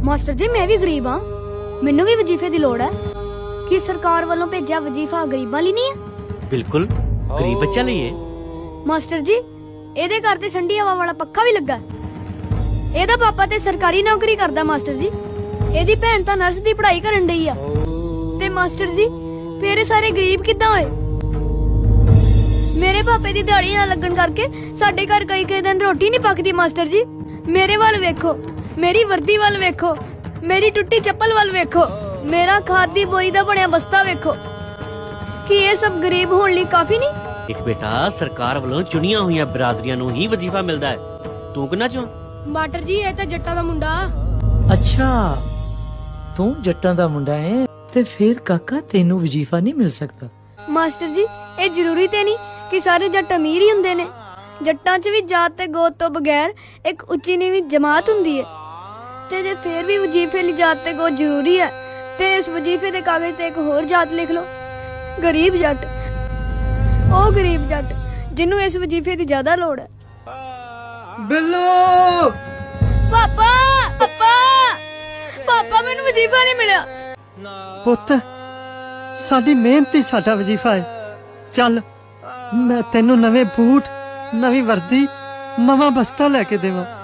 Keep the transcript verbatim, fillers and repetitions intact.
Master ਜੀ ਮੈਂ ਵੀ ਗਰੀਬ ਹਾਂ, ਮੈਨੂੰ ਵੀ ਵਜ਼ੀਫੇ ਦੀ ਲੋੜ ਹੈ। ਕੀ ਸਰਕਾਰ ਵੱਲੋਂ ਭੇਜਿਆ ਵਜ਼ੀਫਾ ਗਰੀਬਾਂ ਲਈ ਨਹੀਂ ਹੈ? ਬਿਲਕੁਲ ਗਰੀਬ ਬੱਚਿਆਂ ਲਈ ਹੈ। ਮਾਸਟਰ ਜੀ ਇਹਦੇ ਘਰ ਤੇ ਠੰਡੀ ਹਵਾ ਵਾਲਾ ਪੱਖਾ ਵੀ ਲੱਗਾ। ਇਹਦਾ ਪਾਪਾ ਤੇ ਸਰਕਾਰੀ ਨੌਕਰੀ ਕਰਦਾ ਮਾਸਟਰ ਜੀ। ਇਹਦੀ ਭੈਣ ਤਾਂ ਨਰਸ ਦੀ ਪੜ੍ਹਾਈ ਕਰਨ ਡਈ ਆ। ਤੇ ਮਾਸਟਰ ਜੀ ਫੇਰ ਇਹ ਸਾਰੇ ਗਰੀਬ ਕਿੱਦਾਂ ਹੋਏ? ਮੇਰੇ ਪਾਪੇ ਦੀ ਦਿਹਾੜੀ ਨਾ ਲੱਗਣ ਕਰਕੇ ਸਾਡੇ ਘਰ ਕਈ ਕਈ ਦਿਨ ਰੋਟੀ ਨਹੀਂ ਪੱਕਦੀ। ਮਾਸਟਰ ਜੀ ਮੇਰੇ ਵੱਲ ਵੇਖੋ, ਮੇਰੀ ਵਰਦੀ ਵੱਲ ਵੇਖੋ, ਮੇਰੀ ਟੁੱਟੀ ਚੱਪਲ ਵੱਲ ਵੇਖੋ, ਮੇਰਾ ਖਾਦ ਦੀ ਬੋਰੀ ਦਾ ਬਣਿਆ ਬਸਤਾ ਵੇਖੋ। ਕੀ ਇਹ ਸਭ ਗਰੀਬ ਹੋਣ ਲਈ ਕਾਫੀ ਨਹੀਂ? ਇੱਕ ਬੇਟਾ ਸਰਕਾਰ ਵੱਲੋਂ ਚੁਣੀਆਂ ਹੋਈਆਂ ਬਰਾਦਰੀਆਂ ਨੂੰ ਹੀ ਵਜ਼ੀਫਾ ਮਿਲਦਾ ਹੈ। ਤੂੰ ਕਿੰਨਾ ਚੋਂ? ਮਾਸਟਰ ਜੀ ਇਹ ਤਾਂ ਜੱਟਾਂ ਦਾ ਮੁੰਡਾ। ਅੱਛਾ ਤੂੰ ਜੱਟਾਂ ਦਾ ਮੁੰਡਾ ਹੈ ਤੇ ਫਿਰ ਕਾਕਾ ਤੈਨੂੰ ਵਜ਼ੀਫਾ ਨਹੀਂ ਮਿਲ ਸਕਦਾ। ਮਾਸਟਰ ਜੀ ਇਹ ਜ਼ਰੂਰੀ ਤੇ ਨਹੀਂ ਕਿ ਸਾਰੇ ਜੱਟ ਅਮੀਰ ਹੀ ਹੁੰਦੇ ਨੇ। ਜੱਟਾਂ 'ਚ ਵੀ ਜਾਤ ਤੇ ਗੋਤ ਤੋਂ ਬਗੈਰ ਇੱਕ ਉੱਚੀ ਨੀਵੀਂ ਜਮਾਤ ਹੁੰਦੀ ਹੈ। ਤੇ ਜੇ ਫੇਰ ਵੀ ਵਜ਼ੀਫੇ ਲਈ ਜਾਤ ਤੇ ਗੋਤ ਜ਼ਰੂਰੀ ਹੈ ਤੇ ਇਸ ਵਜ਼ੀਫੇ ਦੇ ਕਾਗਜ਼ ਤੇ ਇੱਕ ਹੋਰ ਜਾਤ ਲਿਖ ਲਓ, ਗਰੀਬ ਜੱਟ। ਉਹ ਗਰੀਬ ਜੱਟ ਜਿਹਨੂੰ ਇਸ ਵਜ਼ੀਫੇ ਦੀ ਜ਼ਿਆਦਾ ਲੋੜ ਹੈ। ਬਿੱਲੂ ਪਾਪਾ ਪਾਪਾ ਪਾਪਾ ਮੈਨੂੰ ਵਜ਼ੀਫਾ ਨਹੀਂ ਮਿਲਿਆ। ਪੁੱਤ ਸਾਡੀ ਮਿਹਨਤ ਹੀ ਸਾਡਾ ਵਜ਼ੀਫਾ ਹੈ। ਚੱਲ ਮੈਂ ਤੈਨੂੰ ਨਵੇਂ ਬੂਟ, ਨਵੀਂ ਵਰਦੀ, ਨਵਾਂ ਬਸਤਾ ਲੈ ਕੇ ਦੇਵਾਂ।